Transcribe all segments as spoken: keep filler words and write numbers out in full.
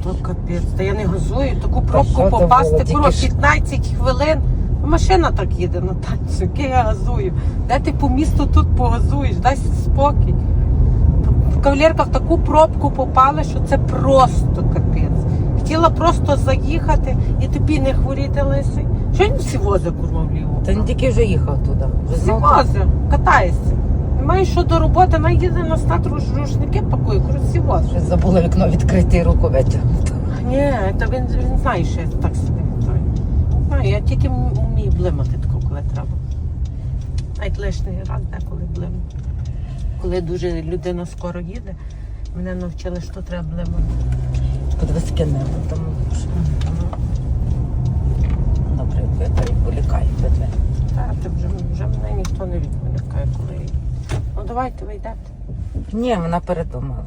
То капець, та я не газую, таку пробку що то попасти, було? курва, Тільки ж- п'ятнадцять хвилин. Машина так їде на танцю, яке я газую. Де ти по місту тут погазуєш, дай спокій. В кавалерка в таку пробку попала, що це просто капець. Хотіла просто заїхати і тобі не хворіти, лисий. Що він всі возить, курва, вліво? Та він тільки вже їхав туди. Вже Всі знов возить, катаєшся. Немає що до роботи, вона їде на стат рушники пакує, курва, всі возить. щось забула вікно відкрити і руку витягнути. Ні, та він, він знає, що я так собі вітаю. Знаю, я тільки вмію блимати тако, коли треба. Навіть лишній раз деколи блимати. Коли дуже людина скоро їде, мене навчили, що треба блимати. Подивись, яке небо там. Добре, вітаю, полікаю тебе. Та, ти вже, вже мене ніхто не відволікає, коли я їду. Ну давайте ви йдете. Ні, вона передумала.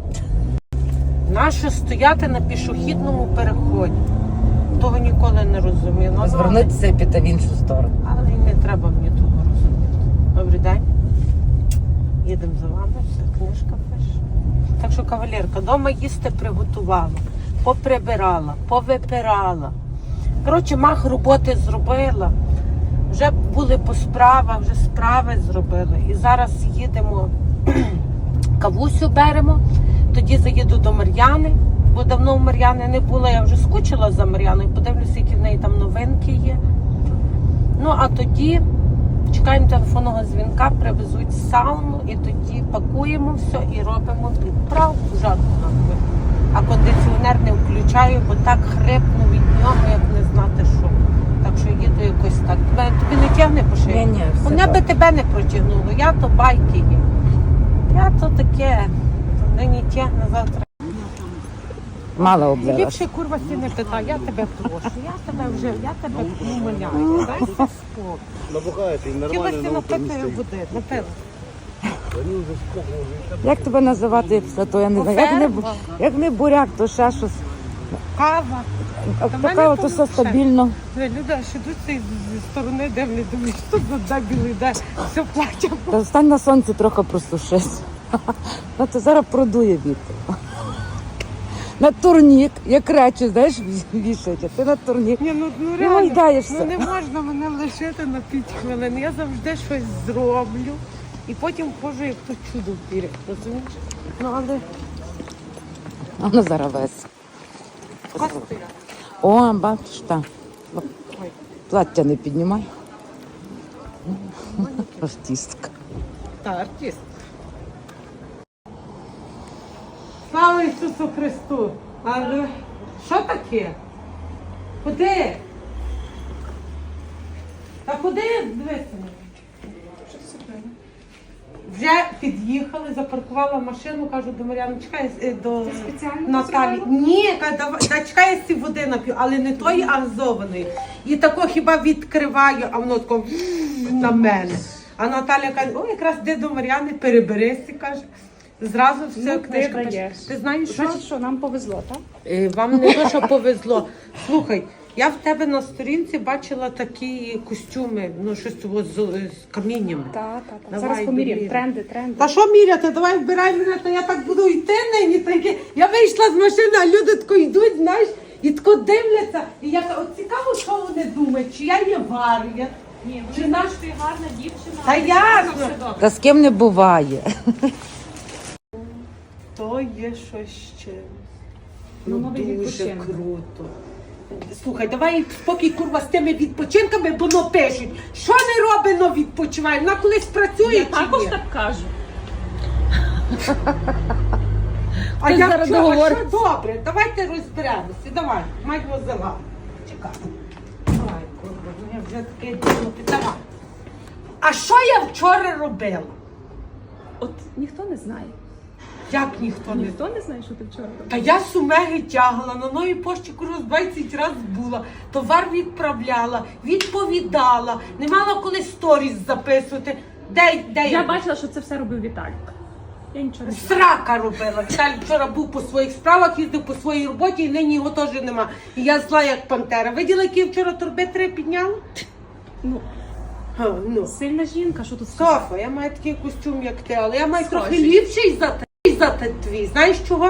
Нащо стояти на пішохідному переході? Того ніколи не розумію. Ну, Звернутися і піти в іншу сторону. але й не треба мені того розуміти. Добрий день. Їдемо за вами, все, книжка пише. Так що, кавалерка, вдома їсти приготувала, поприбирала, повипирала. Коротше, мах роботи зробила. Вже були по справах, вже справи зробили. І зараз їдемо, кавусю беремо, тоді заїду до Мар'яни, бо давно в Мар'яни не було, я вже скучила за Мар'яною, подивлюся, які в неї там новинки є. Ну, а тоді чекаємо телефонного дзвінка, привезуть сауну і тоді пакуємо все і робимо відправку жадку на дві. А кондиціонер не включаю, бо так хрипну від нього, як не знати що. Так що їду якось так. Тебе, тобі не тягне по шиї? Ні, ні, все Мене би добре. тебе не протягнуло, я то байки є. Я то таке, то нині тягне, завтра. Мало облилась. Ліпше, курва, сі не питай, я тебе прошу, я тебе вже, я тебе умоляю, дай спокій. Набухаєте і нормально Хотілося на утро не напити стоїть. води, напила. Вони вже сколько вже. Як тебе називати все, то я не знаю. Як не, бу- як не буряк, то ще щось. Кава. А Та в мене така то то все лучше. стабільно. Люди аж ідуть зі сторони, дивлять, думають, що тут за білий йде, все плаче. Та стань на сонці трохи просушись. Ну, то зараз продує вітер. На турнік, як речі, знаєш, вішають, а ти на турнік. Ні, ну, ну Ну, реально, гайдаєшся. ну не можна мене лишити на п'ять хвилин. Я завжди щось зроблю і потім хожу, як то чудо впірі, розумієш? Ну, але А ну зараз весь. костя. О, бачиш, так. Ой. Плаття не піднімай. Артистка. Та, артист. Слава Ісусу Христу! Але що таке? Куди? Та куди дивися? Вже під'їхали, запаркувала машину, кажу до Мар'яни, чекай, е, до Наталі. Ні, кажу, давай, та чекай, я ці води нап'ю, але не тої, а газованої. І тако хіба відкриваю, а воно тако на мене. А Наталя каже, о, якраз де до Мар'яни, переберися, каже. Зразу все, Ну, книжка ти пише. даєш. Ти знаєш, що? Значить, що нам повезло, так? Е, Вам не то, що повезло. Слухай, я в тебе на сторінці бачила такі костюми, ну щось того з, з каміннями. Так, так, так. Давай, Зараз поміряємо. довірю. Тренди, тренди. Та що міряти? Давай вбирай мене, то я так буду йти нині. Такі. Я вийшла з машини, а люди тако йдуть, знаєш, і тако дивляться. І я кажу, от цікаво, що вони думають, чи я є варія. Ні, Чи вони наш- знають, що ти гарна дівчина. Та але ясно. все добре. Та з ким не буває. То є щось ще. Ну, Ну, новий дуже відпочинок. круто. Слухай, давай спокій, курва, з тими відпочинками, бо ну пишуть. Що не робить, но відпочиває? Вона колись працює Я чи також ні? так кажу. А Ти я зараз що, а договор- що добре? Давайте розберемося. Давай, мать возила. Чекай. Давай, курва, ну я вже таке діло. Давай. А що я вчора робила? От ніхто не знає. Як ніхто не Ніхто не знає, що ти вчора робила. Та я сумеги тягла, на новій пошті курс двадцять разів була, товар відправляла, відповідала, не мала коли сторіс записувати. Де, де Я бачила, що це все робив Віталік. Я нічого не знаю. Срака робила. Віталій вчора був по своїх справах, їздив по своїй роботі і нині його теж нема. І я зла як пантера. Виділа, які я вчора торби три підняла? Ну, Ха, ну. сильна жінка, що тут сказати? Софа, я маю такий костюм, як ти, але я маю Схожий. трохи ліпший за те- за те твій. Знаєш чого?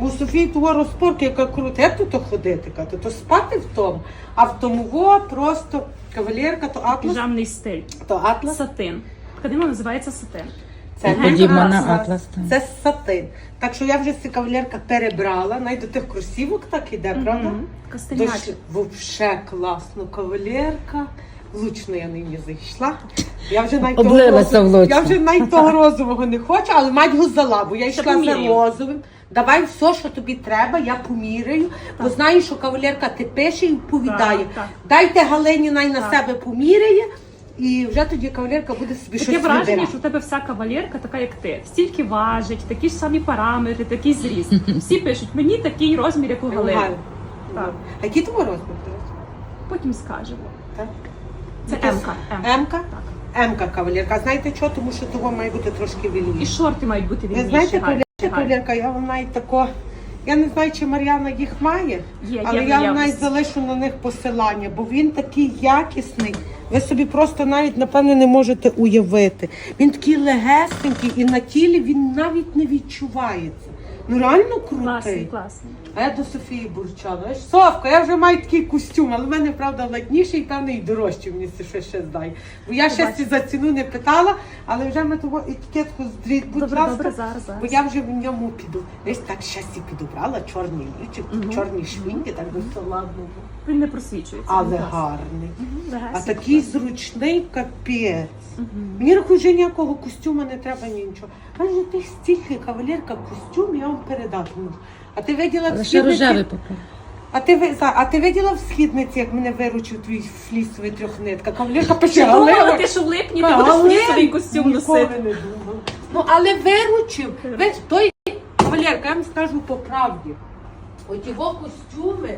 У Софії того розпорки, яка крута, як тут ходити, кати, то спати в тому, а в тому во просто кавалерка, то атлас, Піжамний стиль. то атлас. Сатин. Тканина називається сатин. Це Подібна на атлас. атлас, так. Це сатин. Так що я вже ця кавалерка перебрала, навіть до тих кросівок так іде, правда? Мгм. Тож Костельняч. вовше класно кавалерка. Влучно я нині зайшла. Я вже навіть Облилася того, розового- влучно. я вже навіть того розового не хочу, але мать його взяла, бо я йшла за поміряю. розовим. Давай все, що тобі треба, я поміряю, бо знаю, що кавалерка ти пише і вповідає. Так, так. Дайте Галині най на Так. себе поміряє, і вже тоді кавалерка буде собі Таке щось враження, вибирати. що в тебе вся кавалерка така, як ти. Стільки важить, такі ж самі параметри, такий зріст. Всі пишуть, мені такий розмір, як у Галини. Галина. Так. А який твій розмір? до речі? Потім скажемо. Так? Це Якийсь- М-ка. М. М-ка? Так. М-ка кавалерка. Знаєте що? Тому що того має бути трошки І вільніше. шорти мають бути Ви вільніші. знаєте, гарні, кавалерка, гарні. кавалерка, я вам навіть тако, я не знаю, чи Мар'яна їх має, Є, але є в я вам навіть наявності. залишу на них посилання, бо він такий якісний, ви собі просто навіть, напевно, не можете уявити. Він такий легесенький і на тілі він навіть не відчувається. Ну реально крутий. Класний, класний. А я до Софії бурчала. Знаєш, Совка, я вже маю такий костюм, але в мене, правда, ладніший і певний і дорожчий мені це ще, ще здає. Бо я ще Побачимо. за ціну не питала, але вже ми того етикетку здріть, будь Добре, ласка, добре, зараз, зараз. бо я вже в ньому піду. Десь так щастя підобрала, чорний лічик, чорні швінки, так би все ладно було. Він не просвічується. Але він класний. гарний. Мгм, А легесенький, такий класний. зручний капець. Мгм. Мені рахує, вже ніякого костюма не треба нічого. Каже, ти стільки кавалерка костюм, я вам передати можу. А ти виділа в Але ще східниці? рожевий попав. А ти ви за- а ти виділа в східниці, як мене виручив твій флісовий трьохнитка? Кавалерка пише, Я думала, Галина, ти що в липні ти Галина, будеш флісовий костюм ніколи носити. не думала. Ну, але виручив. Ви той кавалерка, я вам скажу по правді. От його костюми,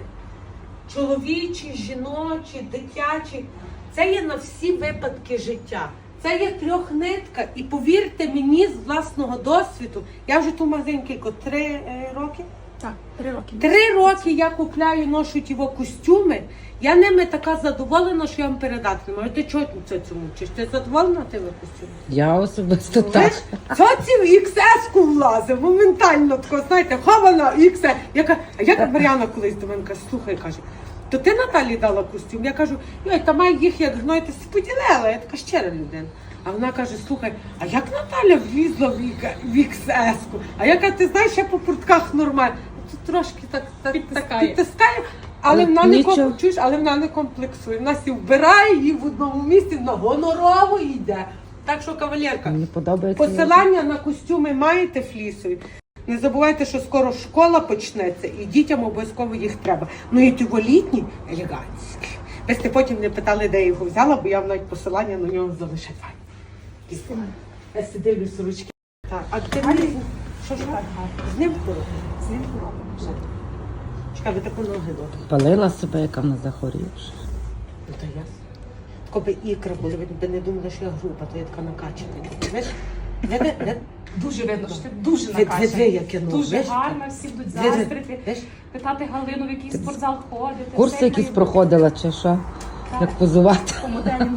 чоловічі, жіночі, дитячі, це є на всі випадки життя. Це є трьохнитка. І повірте мені з власного досвіду, я вже ту магазинки три е, роки. Так, три роки. Три роки я купляю, ношу його костюми. Я ними така задоволена, що я вам передати не можу. Ти чого це цьому вчиш? Ти задоволена тими костюмами? Я особисто так. Це в ікс ес-ку влазив, моментально тако, знаєте, хована ікс ес. Я кажу, а як Мар'яна колись до мене каже, слухай, каже, то ти Наталі дала костюм? Я кажу, йой, та має їх як гной, ти си поділила, я така щира людина. А вона каже, слухай, а як Наталя влізла в іка- в ікс ес-ку? А я кажу, ти знаєш, я по портках нормально. Тут трошки так, так, Підтискає. так підтискає, але Але вона не нічого. комп- чуєш, але вона не комплексує. Вона сі вбирає її в одному місці, на гонорово йде. Так що, кавалерка, Мені подобається. посилання на костюми маєте флісові. Не забувайте, що скоро школа почнеться і дітям обов'язково їх треба. Ну і ті літні елегантські. Ви сте потім не питали, де я його взяла, бо я вам навіть посилання на нього залишаю. Я си дивлю сорочки. Так, а ти мені... Що ж так? З ним ходить? З ним робимо. Чекай, ви таку ноги добре. Палила себе, яка вона захворівша. Ну то ясно. Коби ікра були, ви б не думали, що я груба, то я така накачана. Знаєш? Не, не, не. Дуже видно, що ти дуже Ви- ви- ви накачана. яке, ну, Дуже знаєш, гарна, всі будуть Ви- ви- заздрити. знаєш, Питати Галину, в який спортзал ходити. Курси все якісь має проходила чи що? Як позувати? по моделі.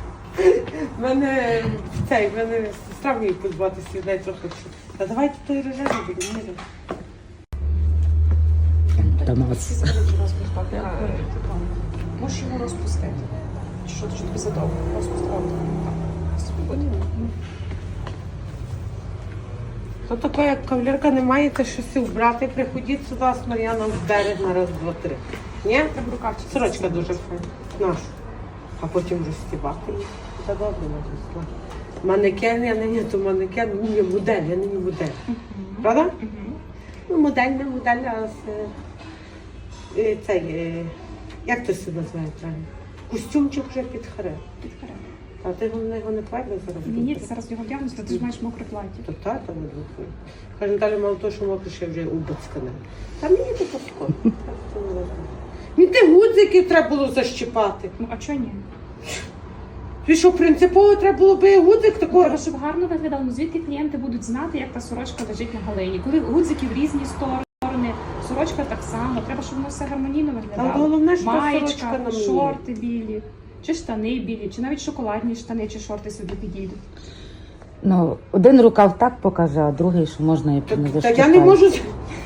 В мене цей, в мене сестра вміє позбуватися від неї трохи. що, Та давайте той рожевий будемо міряти. Томас. Можеш його розпустити. Що ти тобі задовго? Розпустити. То таке, як кавалерка не маєте щось вбрати, приходіть сюди з Мар'яном в берег на раз, два, три. Ні? Треба рукавчики. Сорочка дуже файна. Нашу. А потім розстібати їх. Та добре написала. Манекен, я не є, то манекен, ні, модель, я не є модель. Правда? Ну, модель, не модель, а з, е, цей, е, як то це називає правильно? Костюмчик вже під харем. А ти головне його не правильно зараз? Ні, ні, ти зараз його вдягнеш, ти ж маєш мокре плаття. То та, там не двохує. Каже, Наталя, мало того, що мокро, ще вже убацькане. Та мені то паско. Мені ті гудзики треба було защіпати. Ну, а чого ні? І що, принципово треба було би гудзик такого. Треба, щоб гарно виглядало. Ну, звідки клієнти будуть знати, як та сорочка лежить на Галині. Коли гудзики в різні сторони, сорочка так само. Треба, щоб воно все гармонійно виглядало. Та головне, що та Маєчка, сорочка на мені. шорти білі, чи штани білі, чи навіть шоколадні штани, чи шорти собі підійдуть. Ну, один рукав так покаже, а другий, що можна і Та, не та защіпати. я не можу.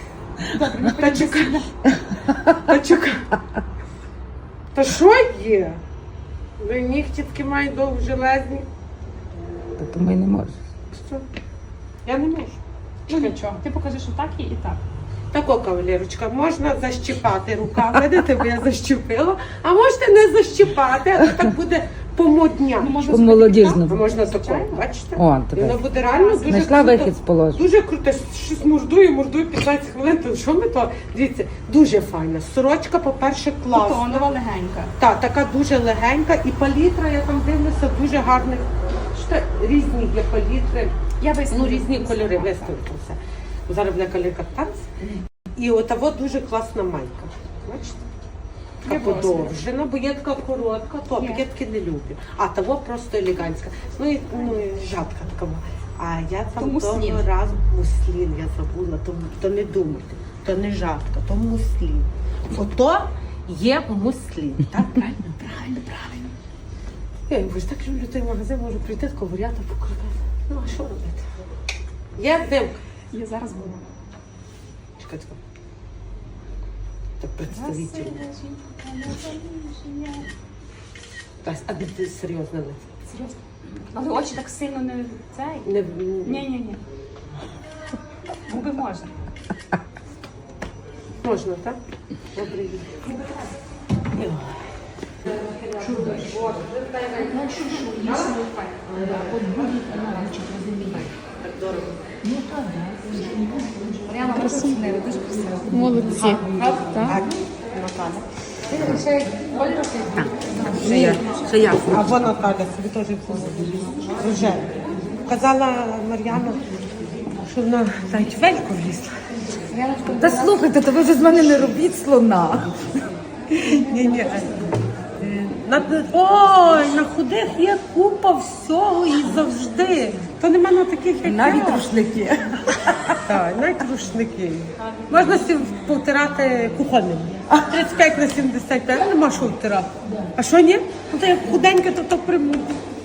Добре, не Та чекай. Та чекай. Та що є? Ви нігті такі мають довжелезні. Та тому й не можеш. Що? Я не можу. Ну нічого, ти покажеш отак і і так. Тако, кавалерочка, можна защіпати рука, видите, бо я защіпила, а можете не защіпати, а то так буде помодня. Ну, можна А По-молодіжно. можна тако, бачите? О, І тепер. воно буде реально дуже Знайшла круто. вихід з положення. Дуже круто, щось мордую, мордую п'ятнадцять хвилин, то що ми то? Дивіться, дуже файна. Сорочка, по-перше, класна. Тонова, легенька. Так, така дуже легенька і палітра, я там дивлюся, дуже гарних. Що різні є палітри. Я виставлю. Ну, різні кольори виставити все. Зараз буде калірка танц. І от того дуже класна майка. Бачите? Я Така подовжена, бо є така коротка, то Є. я таки не люблю. А того просто елегантська. Ну і, ну, і жадка така. А я То там муслін. того разу муслін я забула, то, то не думайте, то не жадка, то муслін. Ото є муслін. Так, правильно? Правильно, правильно. Я ви ж так люблю той магазин, можу прийти тако варіата покрутити. Ну, а що робити? Є димка. Я зараз буду. Чекай, чекай. Так представитель. Тась, а де ти серйозно лице? Серйозно. Але очі так сильно не цей. Не, Ні-ні-ні. Губи можна. можна, так? Добре. Молодці. Ще я. Ще я. А вона Наталя собі теж рожева. Казала Мар'яна, що вона навіть вельку влізла. Та слухайте, то ви вже з мене не робіть слона. Ні, ні. На, ой, на худих є купа всього і завжди. То нема на таких, як Навіть я. рушники. Так, навіть рушники. Можна сім повтирати кухонним. тридцять п'ять на сімдесят п'ять, нема що втирати. А що ні? Ну то як худеньке, то то примуть.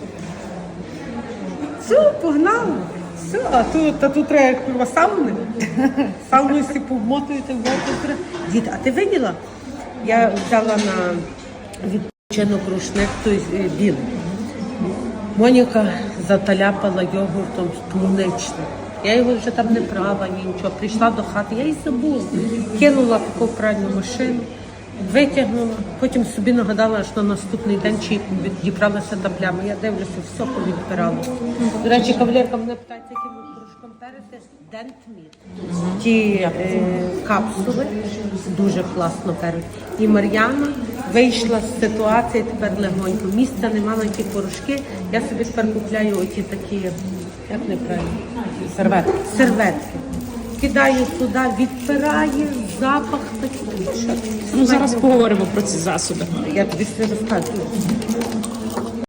Все, погнали. Все, а тут, а тут треба курва сауни. Сауну всі повмотуєте в воду. Дід, а ти виділа? Я взяла на відпочинок рушник той е, білий. Моніка заталяпала йогуртом полуничним. Я його вже там не права, ні нічого. Прийшла до хати, я її забула. Кинула таку в пральну машину, витягнула, потім собі нагадала, що на наступний день чи відібралася та пляма. Я дивлюся, все повідбирала. До речі, кавалерка мене питається, яким порошком перети. Дентміт. Ті е, капсули дуже класно перуть. І Мар'яна вийшла з ситуації тепер легонько. Місця нема на ті порошки. Я собі тепер купляю оті такі, як неправильно, Серветки. серветки. Кидаю туди, відпирає, запах такий. Ну зараз поговоримо про ці засоби. Я тобі все розказую.